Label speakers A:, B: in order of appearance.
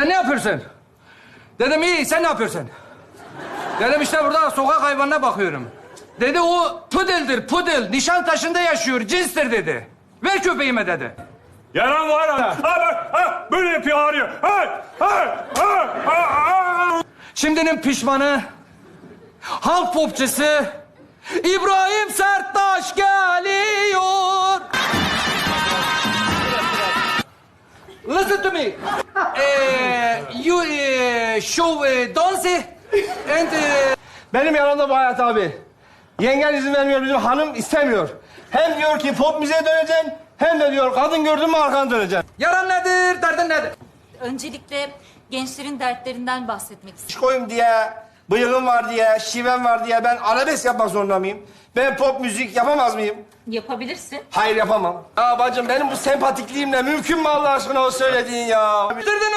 A: Sen ne yapıyorsun? Dedim iyi, sen ne yapıyorsun? Dedim işte burada sokak hayvanına bakıyorum. Dedi o pudeldir, pudel. Nişantaşı'nda yaşıyor, cinstir dedi. Ver köpeğime dedi.
B: Yaran var ha. Ha bak, ha böyle yapıyor, ağrıyor. Ha, ha, ha, ha, ha.
A: Şimdinin pişmanı, halk popçusu İbrahim Serttaş geliyor. Listen to me. You show dance and...
C: Benim yanımda bu Hayat abi. Yengen izin vermiyor, bizim hanım istemiyor. Hem diyor ki pop müziğe döneceksin, hem de diyor kadın gördün mü arkana döneceksin.
A: Yaran nedir, derdin nedir?
D: Öncelikle gençlerin dertlerinden bahsetmek istiyorum.
C: Koyayım diye, bıyığım var diye, şivem var diye ben arabesk yapmak zorunda mıyım? Ben pop müzik yapamaz mıyım?
D: Yapabilirsin.
C: Hayır yapamam. Ya bacım benim bu sempatikliğimle mümkün mü Allah aşkına o söylediğin ya?
A: Derdin